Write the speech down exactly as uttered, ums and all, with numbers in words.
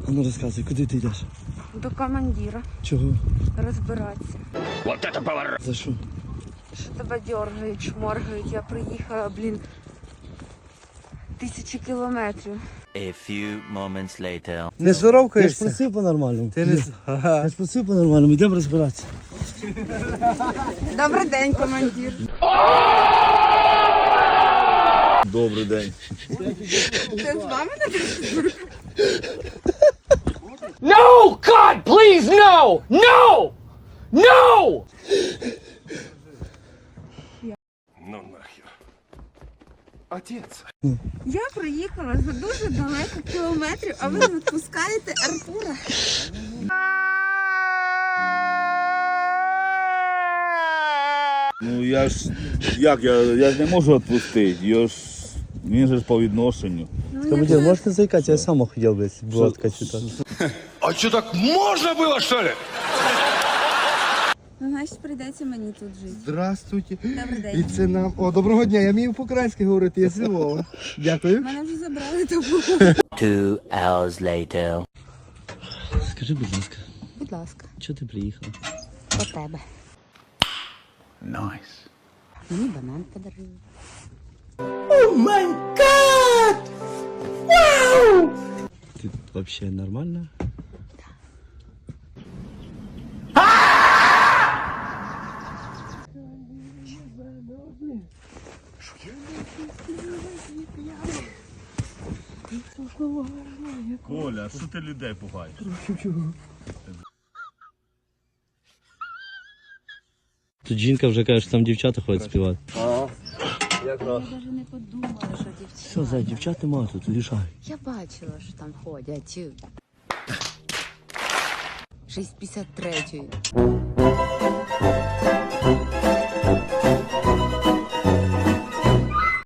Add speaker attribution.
Speaker 1: А ну розказуй, куди ти йдеш?
Speaker 2: До командира.
Speaker 1: Чого?
Speaker 2: Розбиратися.
Speaker 3: Вот это поворот!
Speaker 1: За що?
Speaker 2: Що тебе дергають, шморгають. Я приїхала, блін, тисячі кілометрів.
Speaker 4: A few moments later.
Speaker 5: Не
Speaker 1: Я ж
Speaker 5: здоровкаєшся?
Speaker 1: просив по-нормальному.
Speaker 5: Ти не...
Speaker 1: Я, я ж просив по-нормальному, йдемо розбиратися.
Speaker 2: Добрий день, командир.
Speaker 3: Добрий день.
Speaker 2: Це з вами не
Speaker 3: No! God, please, no! No! No!
Speaker 6: Ну нахер. Отец.
Speaker 2: Я приїхала за дуже далеко кілометрів, а ви відпускаєте Артура.
Speaker 7: Ну я ж як я, я ж не можу відпустити. Його ж він же ж по відношенню.
Speaker 1: Командир, можете заїкати? Я сам хотів би, була така ситуація.
Speaker 6: А что, так можно было, что ли?
Speaker 2: Ну, значить, прийдеться мені тут жити.
Speaker 5: Здравствуйте.
Speaker 2: Добрий
Speaker 5: І
Speaker 2: день.
Speaker 5: це нам... О, доброго дня, я вмію по-українськи говорити, я з Львова. Дякую.
Speaker 2: Мене вже забрали тому.
Speaker 4: Two hours later.
Speaker 1: Скажи, будь ласка,
Speaker 2: Будь ласка,
Speaker 1: чого ти приїхала?
Speaker 2: до тебе.
Speaker 3: Nice.
Speaker 2: Мені банан подарили.
Speaker 1: Ти взагалі нормальна?
Speaker 7: Коля, що ти людей пугаєш?
Speaker 1: Тут жінка вже каже, що там дівчата ходять співати.
Speaker 2: Я навіть не подумала, що дівчата.
Speaker 1: Все, за дівчат нема тут, лишай.
Speaker 2: Я бачила, що там ходять. шість п'ятдесят три.